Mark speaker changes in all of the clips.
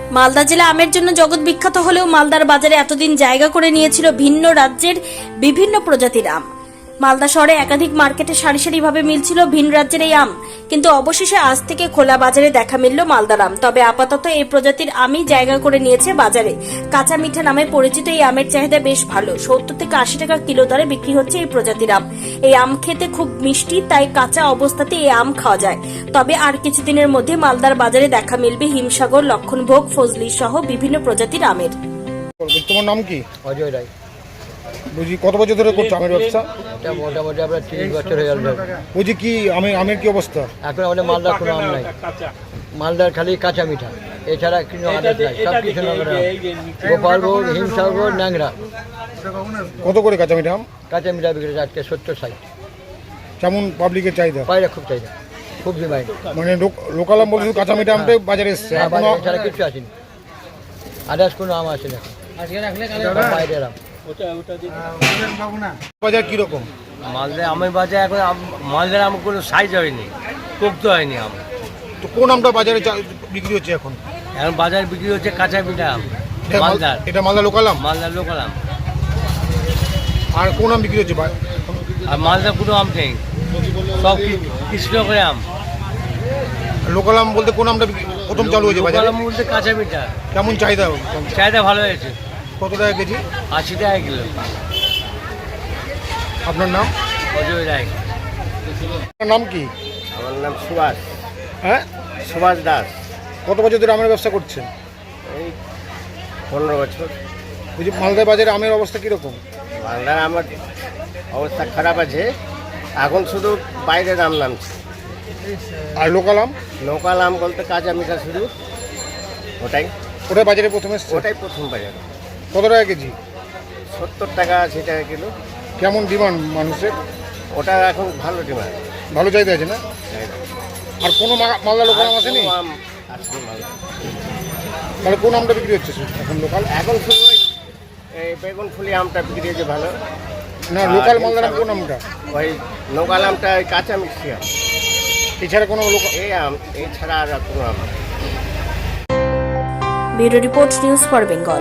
Speaker 1: মালদা জেলা আমের জন্য জগৎ বিখ্যাত হলেও মালদার বাজারে এতদিন জায়গা করে নিয়েছিল ভিন্ন রাজ্যের বিভিন্ন প্রজাতির আম। মালদা শহরে একাধিক মার্কেটে সারি সারিভাবে মিলছিল ভিন রাজ্যের এই আম, কিন্তু অবশেষে আজ থেকে খোলা বাজারে দেখা মিলল মালদার আম। তবে আপাতত এই প্রজাতির আমই জায়গা করে নিয়েছে বাজারে। কাঁচা মিঠা নামে পরিচিত এই আমের চাহিদা বেশ ভালো। 70 থেকে 80 টাকা কিলো দরে বিক্রি হচ্ছে এই প্রজাতির আম। এই আম খেতে খুব মিষ্টি, তাই কাঁচা অবস্থাতে এই আম খাওয়া যায়। তবে আর কিছুদিনের মধ্যে মালদার বাজারে দেখা মিলবে হিমসাগর, লক্ষণভোগ, ফজলি সহ বিভিন্ন প্রজাতির আমের।
Speaker 2: তোমার নাম কি?
Speaker 3: অজয় রায়।
Speaker 2: বুঝি কত বছর ধরে করছো আমের ব্যবসা?
Speaker 3: এটা মোটামুটি আপনার 30 বছর হয়ে গেল।
Speaker 2: বুঝি কি আমের কি অবস্থা?
Speaker 3: এখন আমাদের মালদার কোনো আম নাই, মালদার খালি কাঁচা মিঠা, এছাড়া কোনো আদার নাই, সব কিছু গোপালভোগ, হিমসাগর, ন্যাংরা।
Speaker 2: কত করে কাঁচা মিঠা আম?
Speaker 3: কাঁচা মিঠা বিক্রি হচ্ছে আজকে 70-60।
Speaker 2: কেমন পাবলিকের চাহিদা?
Speaker 3: পায়রা খুব চাহিদা, খুব ডিমান্ড।
Speaker 2: মানে লোকাল আম বলতে শুধু কাঁচা মিঠা আমটাই বাজারে এসছে,
Speaker 3: এছাড়া কিছু আসেনি, আদার্স কোনো আম আসে না। বাইরের আম।
Speaker 2: বাজার কিরকম?
Speaker 4: মালদার আমের বাজার এখন মালদার আম কোনো সাইজ হয়নি, পোক্ত হয়নি আম।
Speaker 2: তো কোন আমটা বাজারে বিক্রি হচ্ছে এখন?
Speaker 4: এখন বাজারে বিক্রি হচ্ছে কাঁচা মিঠা আম। মালদার,
Speaker 2: এটা মালদা লোকাল আম?
Speaker 4: মালদার লোকাল আম।
Speaker 2: আর কোন আম বিক্রি হচ্ছে?
Speaker 4: আর মালদার কোনো আম নেই, সব কৃষ্ণনগরের আম।
Speaker 2: লোকাল আম বলতে কোন আমটা প্রথম চালু হয়েছে বাজারে?
Speaker 4: লোকাল আম বলতে কাঁচা মিঠা।
Speaker 2: কেমন চাহিদা?
Speaker 4: চাহিদা ভালো হয়েছে।
Speaker 2: কত টাকা কেজি?
Speaker 4: 80 টাকা কিলো।
Speaker 2: আপনার নাম?
Speaker 4: অজয় রায়।
Speaker 2: আপনার নাম কি?
Speaker 5: আমার নাম সুভাষ।
Speaker 2: হ্যাঁ,
Speaker 5: সুভাষ দাস।
Speaker 2: কত বছর ধরে আমের ব্যবসা করছেন?
Speaker 5: এই 15 বছর।
Speaker 2: বুঝি মালদা বাজারে আমের অবস্থা কিরকম?
Speaker 5: বাংলার আমার অবস্থা খারাপ আছে, এখন শুধু বাইরের আম নামছে।
Speaker 2: আর লোকাল আম?
Speaker 5: লোকাল আম বলতে কাঁচা মিঠা শুধু, ওটাই
Speaker 2: বাজারে প্রথমে এসছে?
Speaker 5: ওটাই প্রথম বাজার।
Speaker 2: কত টাকা কেজি?
Speaker 5: 70 টাকা 80 টাকা কিলো।
Speaker 2: কেমন ডিমান্ড মানুষের?
Speaker 5: ওটা এখন ভালো ডিমান্ড,
Speaker 2: ভালো চাহিদা আছে না? আর কোনো মালদা লোকাল আম আসেনি?
Speaker 5: আম আসেনি মালদা।
Speaker 2: তাহলে কোন আমটা বিক্রি হচ্ছে এখন লোকাল?
Speaker 5: এখন শুধু এই বেগুন ফুলি আমটা বিক্রি হচ্ছে ভালো।
Speaker 2: না, লোকাল মালদার আম কোন আমটা?
Speaker 5: ওই লোকাল আমটা ওই কাঁচা মিষ্টি আম,
Speaker 2: এছাড়া কোনো লোকাল?
Speaker 5: এই আম এছাড়া আর কোনো আম।
Speaker 1: Bureau report, news for Bengal.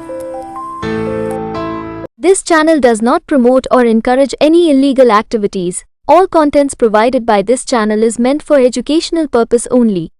Speaker 6: This channel does not promote or encourage any illegal activities. All contents provided by this channel is meant for educational purpose only.